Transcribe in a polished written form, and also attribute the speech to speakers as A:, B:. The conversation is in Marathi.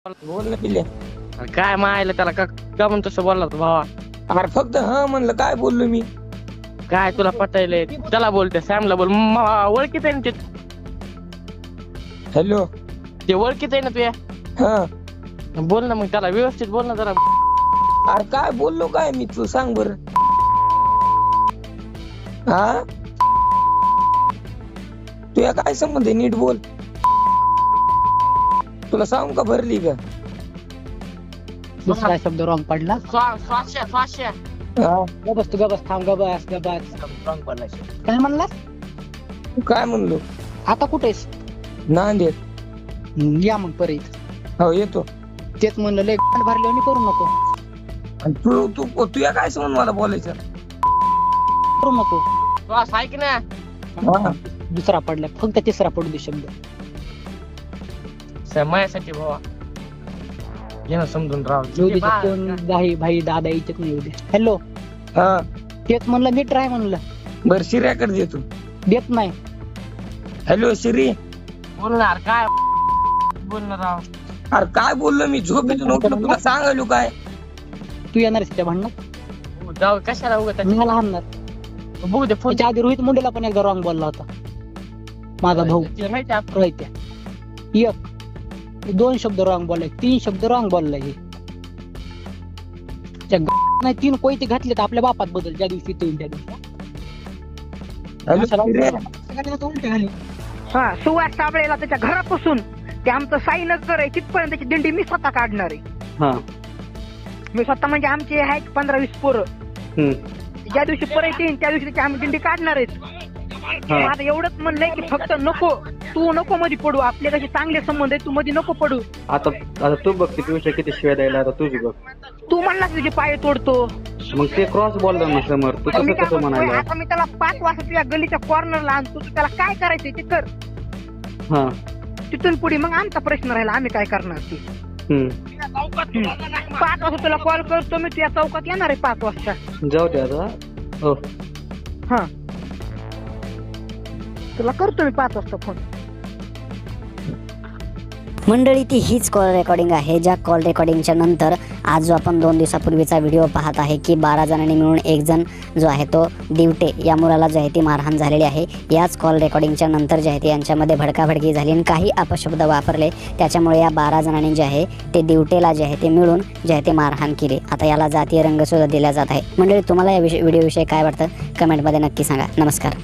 A: बोल ना पिल्ले.
B: अरे काय मायला त्याला का म्हणून तसं बोलला तू भावा?
A: अरे फक्त हा म्हणलं, काय बोललो मी?
B: काय तुला पटायलंय? त्याला बोलते सॅमला बोल. ओळखीत आहे ना ते.
A: हॅलो.
B: ते ओळखीत आहे ना तुया.
A: हा
B: बोल ना मग त्याला व्यवस्थित बोल ना जरा.
A: अरे काय बोललो काय मी, तू सांग बर. हा तुया काय संबंध आहे, नीट बोल. तुला सांगू का भरली का?
C: दुसरा शब्द रॉंग पडला.
B: स्वाश्या
A: हा
C: गबस तू गबस थांब गबस गबस. काय म्हणलास?
A: काय म्हणलो?
C: आता कुठेस?
A: नांदेड.
C: या मग परत.
A: हो येतो.
C: तेच म्हणलं लय भरल्याने करू नको.
A: आणि तू तू तुया काय संबंध मला बोलायचं?
C: करू नको.
B: श्वास ऐक ना.
A: हा
C: दुसरा पडला, फक्त तिसरा पडू दे शब्द.
B: माझ्यासाठी भावा घे ना समजून राव.
C: येऊ दे कोण भाई भाई दादा इच्छित नाही. येऊ दे. हॅलो.
A: हा
C: तेच म्हणलं नीट राह म्हणलं.
A: बर शिर्याकडे देतो.
C: देत नाही.
A: हॅलो शिरी.
B: बोलणार काय बोलणार राव?
A: अरे काय बोललो मी? झोपेतून उठलो, तुला सांगायलो काय?
C: तू येणार त्या भांडणात?
B: जाऊ कशाला उगत
C: मी मला हाणणार.
B: बघू दे फोन.
C: त्याच्या आधी रोहित मुंडेला पण एकदा रॉंग बोलला होता माझा भाऊ.
B: माहिती आहे
C: रोहित एक 2 शब्द रॉंग बोललाय, 3 शब्द रॉंग बोललाय. नाही 3 कोयते घातले तर आपल्या बापात बदल ज्या दिवशी ते त्या दिवशी.
A: हॅलो शिर्या.
D: हा सुवास साबळेला त्याच्या घरापासून ते आमचं साईनगर आहे तिथपर्यंत त्याची दिंडी मी स्वतः काढणार आहे. मी स्वतः म्हणजे आमचे आहेत 15-20 पोरं. ज्या दिवशी परत येईन त्या दिवशी त्याची आम्ही दिंडी काढणार आहेत. आता एवढंच म्हणलंय की फक्त नको, तू नको मध्ये पडू. आपले कसे चांगले संबंध आहे, तू मध्ये नको पडू.
E: आता तू बघ किती विषय किती शिवाय द्यायला. आता तुझी बघ.
D: तू म्हणलास तुझे पाय तोडतो.
E: मग ते क्रॉस बोलला ना समोर. तू
D: मी
E: कसं
D: काय
E: कसं
D: म्हणतोय,
E: म्हणायला?
D: आता मी त्याला 5 वाजता तुझ्या गलीच्या कॉर्नरला आणतो. तू त्याला काय करायचंय ते कर.
E: हा
D: तिथून पुढे मग आमचा प्रश्न राहिला, आम्ही काय करणार ते. 5 वाजता तुला कॉल करतो मी, तुझ्या चौकात येणार आहे 5 वाजता.
E: जाऊ दे आता. हो
D: हा तुला करतो मी 5 वाजता फोन.
F: मंडळी ती हीच कॉल रेकॉर्डिंग आहे, ज्या कॉल रेकॉर्डिंगच्या नंतर आज जो आपण 2 दिवसापूर्वीचा व्हिडिओ पाहत आहे की 12 जणांनी मिळून एक जण जो आहे तो दिवटे या मुलाला जे आहे ती मारहाण झालेली आहे. याच कॉल रेकॉर्डिंगच्या नंतर जे आहे ते यांच्यामध्ये भडकाभडकी झाली आणि काही अपशब्द वापरले. त्याच्यामुळे या 12 जणांनी जे आहे ते दिवटेला जे आहे ते मिळून जे आहे ते मारहाण केली. आता याला जातीय रंगसुद्धा दिला जात आहे. मंडळी तुम्हाला या व्हिडिओविषयी काय वाटतं कमेंटमध्ये नक्की सांगा. नमस्कार.